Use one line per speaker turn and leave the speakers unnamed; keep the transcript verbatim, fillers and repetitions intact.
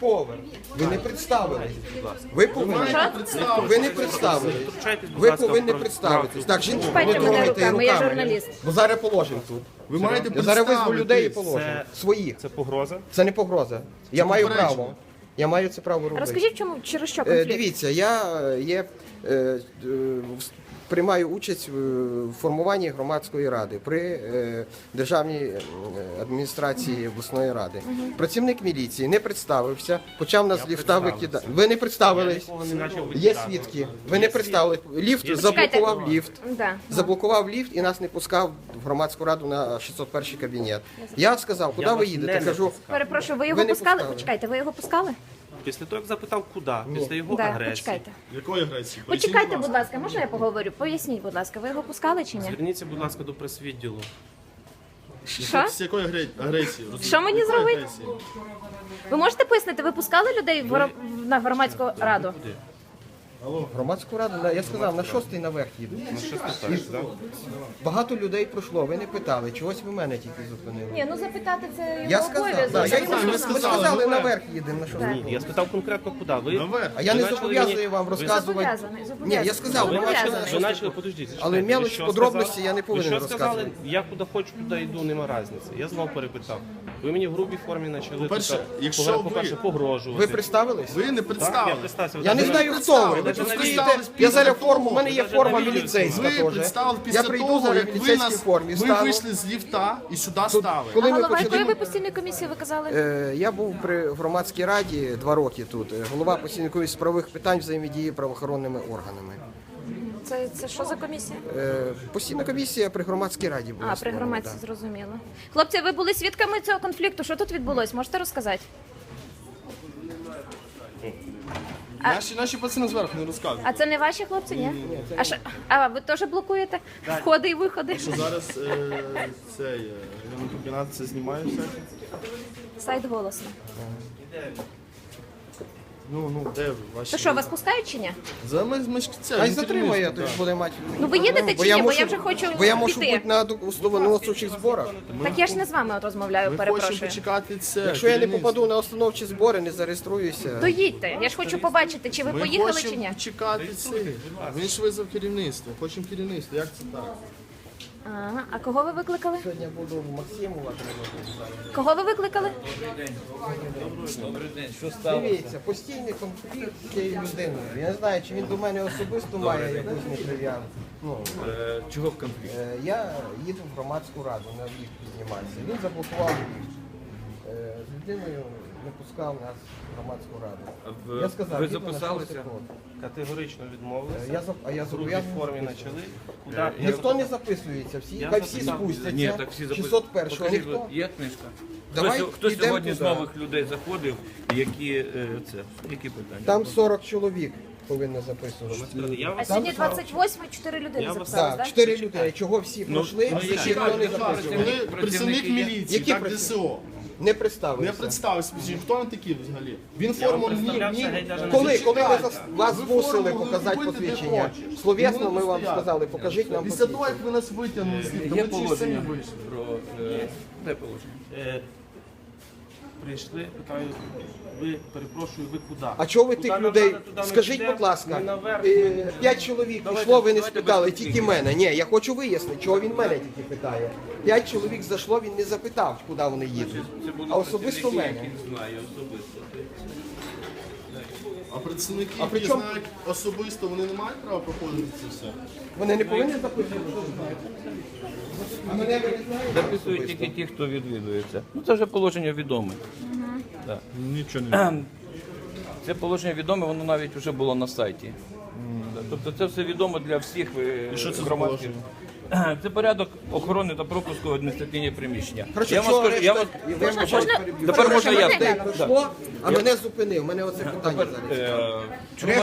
поверх. Ви не представились. Ви повинні. Ви не представились. Ви повинні представитись. Так, жінку
Чіпайте
не
мене
трогайте
руками, я
руками.
журналіст.
Бо зараз положимо тут.
Ви маєте
Я зараз визву людей і
представитись.
положимо. Своїх.
Це погроза?
Це не погроза. Я маю
попередження.
право. Я маю це право робити.
Розкажіть, чому через що
Е,
конфлікт?
Дивіться, я е, є, е, е, в- приймаю участь в формуванні громадської ради при е, державній е, адміністрації обласної ради. Працівник міліції не представився, почав нас з ліфта викидати. Ви не представились. Є свідки. Ви не представили. Ліфт заблокував ліфт.
Да.
Заблокував ліфт і нас не пускав в громадську раду на шістсот перший кабінет. Я сказав, куди ви їдете? Кажу,
Перепрошую, ви його
Ви не
пускали?
пускали.
Почекайте, ви його пускали?
Після того, як запитав, куди? Після його
Да,
агресії.
почекайте.
Якої агресії?
Почекайте, будь ласка, можна я поговорю? Поясніть, будь ласка, ви його пускали чи ні?
Зверніться, будь ласка, до прес-відділу.
Що?
З якої агре- агресії?
Що мені
Якої
зробити?
агресії?
Ви можете пояснити, ви пускали людей в гро- на громадську раду?
Куди?
громадську раду, на- я сказав, на шостий наверх їду.
На що ти так?
Багато людей пройшло, ви не питали, чогось ви мене тільки зупинили.
Ні, ну запитати це
Я
його
сказав,
обов'язок.
да, я йому
сказав, ви
сказав, ми
сказали,
сказали,
наверх.
наверх їдемо, на шостий.
Ні, я спитав конкретно, куди. Ви,
Наверх.
А я
ви
не
почали
зобов'язую
мені-
вам розказувати.
Зобов'язаний,
Ні,
зобов'язаний.
я сказав, ви
Зобов'язаний.
бачили,
Ви почали, подождіть,
Але
зачекайте.
мелочі,
Ви що
подробності
сказали?
я не повинен
Ви що сказали?
розказувати.
Я куди хочу, туди йду, нема різниці. Я знов перепитав. Ви мені в грубій формі почали
По-перше,
тут,
якщо ви-
по-перше, погрожувати.
ви представились?
Ви не
Я
представили.
представився.
Я не
Ви
знаю,
навіть-
хто ви.
Ви
Ви тут
представились
стоїте,
після
я зараз
того.
форму, у мене є
Ви
форма
навіть не
міліцейська
Ви
теж.
представили
Я
після
прийду
того,
зараз в
як ви
міліцейській
нас
формі,
ви
стану.
вийшли з ліфта і сюди стали.
Коли
А
ми
голова якої
почали...
ви постійної комісії, ви казали?
Е, Я був при громадській раді два роки тут. Е, Голова постійної комісії з правових питань взаємодії правоохоронними органами.
Це, це що за комісія?
Е, Постійна комісія при громадській раді була.
А, при
створена,
громадській,
да.
зрозуміло. Хлопці, ви були свідками цього конфлікту? Що тут відбулось? Можете розказати?
Наші, наші пацани зверху не розказують.
А це не ваші хлопці, ні? А, що, а ви теж блокуєте входи і виходи?
Що зараз е, цей е, комбінат це знімає все?
Сайт голосно.
Ну, ну, де ви? Ваші...
То що, вас пускають чи ні?
За ми, ми ж це,
А й
ми
затримає,
керівництво,
то
так.
буде мати.
Ну ви їдете чи ні? Бо я вже хочу
Бо я можу
піти.
бути на установчих зборах.
Так я ж не з вами от розмовляю,
Ми хочемо
перепрошую.
почекати це.
Якщо я не
керівництво.
попаду на установчі збори, не зареєструюся.
То їдьте. Я ж хочу побачити, чи ви
Ми
поїхали
хочемо
чи ні.
почекати це. Він ж визвав керівництво. Хочемо керівництво. Як це так?
Ага. А кого ви викликали?
Сьогодні буду в Максимова. тренувати.
Кого ви викликали?
Дивіться, постійний конфлікт з цією людиною. Я не знаю, чи він до мене особисто має якусь неприв'язку. Ну,
Чого в конфлікт?
е, я їду в громадську раду на ліфт підніматися. Він заблокував ліфт. Е, З людиною не пускав нас в громадську раду.
В-
Я сказав,
ви
їду на
записалися?
шостий крок.
Категорично відмовилися.
Е, Я, зап- а я
В грубій
зобов'язаний
формі
записуватися.
почали. Куди?
Ніхто не записується, всі,
Я
хай всі
записав.
спустяться.
Ні, так всі запис...
шістсот перший,
Покажіть,
ніхто.
Є книжка?
Давай
хто хто
йдемо
сьогодні з
туди.
нових людей заходив? Які, е, це, які питання?
Там сорок чоловік повинно записуватися.
Я
А
вас
сьогодні двадцять восьме, чотири людини
Я вас-
записалось,
Так,
так?
чотири людини. Чого всі пройшли,
ну,
всі
які
ніхто не
працівники?
записував.
Коли працівник
є?
міліції,
Які
так
працівники?
ДСО,
Не
не
представився.
представився. Хто він такий взагалі? Він форму ні,
представлявся,
ні.
геть даже не
Коли, коли ви
Зачекайте.
зас- вас
Ви
змусили
форму
показати
робите, де
посвідчення,
хочеш.
словесно
Ви
ми вам
стояти.
сказали, покажіть нам
Після того,
посвідчення.
як ви нас витягнули з ліфта,
Є
ми через самі
положення
вийшли.
про... Е, де положення?
Е, прийшли, питаю, ви, перепрошую, ви куди?
А чого ви
Куди
тих
нам
людей,
надо, туди ми
скажіть,
підемо,
будь ласка,
ми наверх,
е,
ми-
п'ять чоловік
Давайте,
пішло, ви не
давайте
спитали,
без
тільки
конфлікту.
мене. Ні, я хочу вияснити, чого він мене тільки питає. П'ять чоловік зайшло, він не запитав, куди вони їдуть.
Це були
А особисто
працівники,
мене.
яких знаю особисто.
А працівники,
А при
які
чому-
знають особисто, вони не мають права проходити це все.
Вони не повинні запитувати, що знають. А мене ви не знаєте?
Записують
особисто?
тільки ті, хто відвідується. Ну це вже положення відоме. Да.
Нічого не
Це положення відоме, воно навіть вже було на сайті. Да, Тобто це все відомо для всіх е,
що це за
громадських. Це порядок охорони та пропуску в адміністративні приміщення.
Коротше,
Я вам
чого
скажу, я
решта-
вам-
ви ж
можна-
переб'ю.
Тепер можна я.
Людей пройшло, а мене зупинив. У мене оце питання зараз.
Е, чому